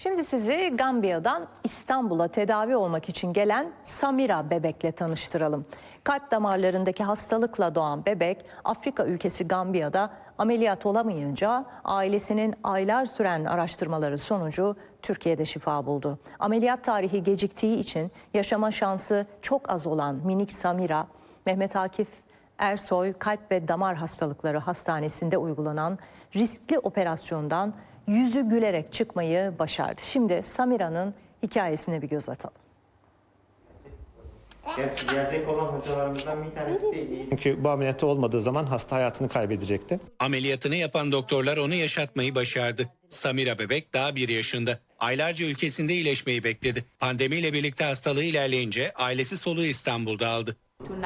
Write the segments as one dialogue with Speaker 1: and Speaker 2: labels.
Speaker 1: Şimdi sizi Gambiya'dan İstanbul'a tedavi olmak için gelen Samira bebekle tanıştıralım. Kalp damarlarındaki hastalıkla doğan bebek Afrika ülkesi Gambiya'da ameliyat olamayınca ailesinin aylar süren araştırmaları sonucu Türkiye'de şifa buldu. Ameliyat tarihi geciktiği için yaşama şansı çok az olan minik Samira, Mehmet Akif Ersoy Kalp ve Damar Hastalıkları Hastanesi'nde uygulanan riskli operasyondan yüzü gülerek çıkmayı başardı. Şimdi Samira'nın hikayesine bir göz atalım.
Speaker 2: Gelecek olan hocalarımızdan bir tanesi değil.
Speaker 3: Çünkü bu ameliyatı olmadığı zaman hasta hayatını kaybedecekti.
Speaker 4: Ameliyatını yapan doktorlar onu yaşatmayı başardı. Samira bebek daha 1 yaşında. Aylarca ülkesinde iyileşmeyi bekledi. Pandemiyle birlikte hastalığı ilerleyince ailesi soluğu İstanbul'da aldı.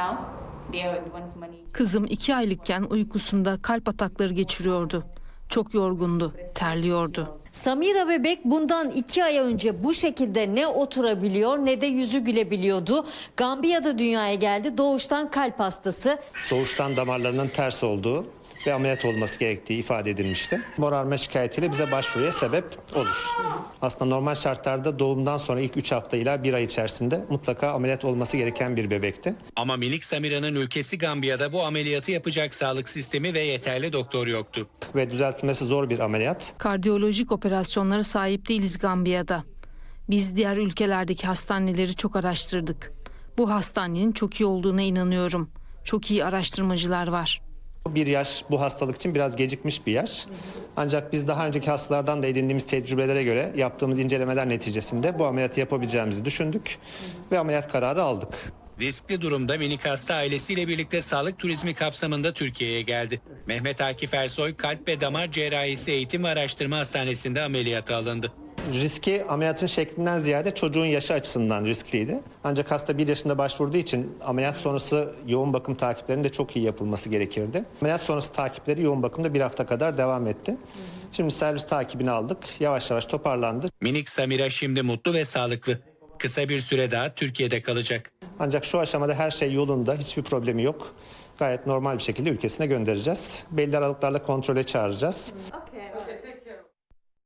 Speaker 5: Kızım 2 aylıkken uykusunda kalp atakları geçiriyordu. Çok yorgundu, terliyordu.
Speaker 6: Samira bebek bundan 2 ay önce bu şekilde ne oturabiliyor ne de yüzü gülebiliyordu. Gambiya'da dünyaya geldi, doğuştan kalp hastası.
Speaker 3: Doğuştan damarlarının ters olduğu ve ameliyat olması gerektiği ifade edilmişti. Morarma şikayetiyle bize başvuruya sebep olur. Aslında normal şartlarda doğumdan sonra ilk 3 hafta ila 1 ay içerisinde mutlaka ameliyat olması gereken bir bebekti.
Speaker 4: Ama minik Samira'nın ülkesi Gambiya'da bu ameliyatı yapacak sağlık sistemi ve yeterli doktor yoktu.
Speaker 3: Ve düzeltmesi zor bir ameliyat.
Speaker 5: Kardiyolojik operasyonlara sahip değiliz Gambiya'da. Biz diğer ülkelerdeki hastaneleri çok araştırdık. Bu hastanenin çok iyi olduğuna inanıyorum. Çok iyi araştırmacılar var.
Speaker 3: 1 yaş bu hastalık için biraz gecikmiş bir yaş. Ancak biz daha önceki hastalardan da edindiğimiz tecrübelere göre yaptığımız incelemeler neticesinde bu ameliyatı yapabileceğimizi düşündük ve ameliyat kararı aldık.
Speaker 4: Riskli durumda minik hasta ailesiyle birlikte sağlık turizmi kapsamında Türkiye'ye geldi. Mehmet Akif Ersoy Kalp ve Damar Cerrahisi Eğitim ve Araştırma Hastanesi'nde ameliyata alındı.
Speaker 3: Riski ameliyatın şeklinden ziyade çocuğun yaşı açısından riskliydi. Ancak hasta 1 yaşında başvurduğu için ameliyat sonrası yoğun bakım takiplerinin de çok iyi yapılması gerekirdi. Ameliyat sonrası takipleri yoğun bakımda 1 hafta kadar devam etti. Şimdi servis takibini aldık. Yavaş yavaş toparlandı.
Speaker 4: Minik Samira şimdi mutlu ve sağlıklı. Kısa bir süre daha Türkiye'de kalacak.
Speaker 3: Ancak şu aşamada her şey yolunda, hiçbir problemi yok. Gayet normal bir şekilde ülkesine göndereceğiz. Belli aralıklarla kontrole çağıracağız.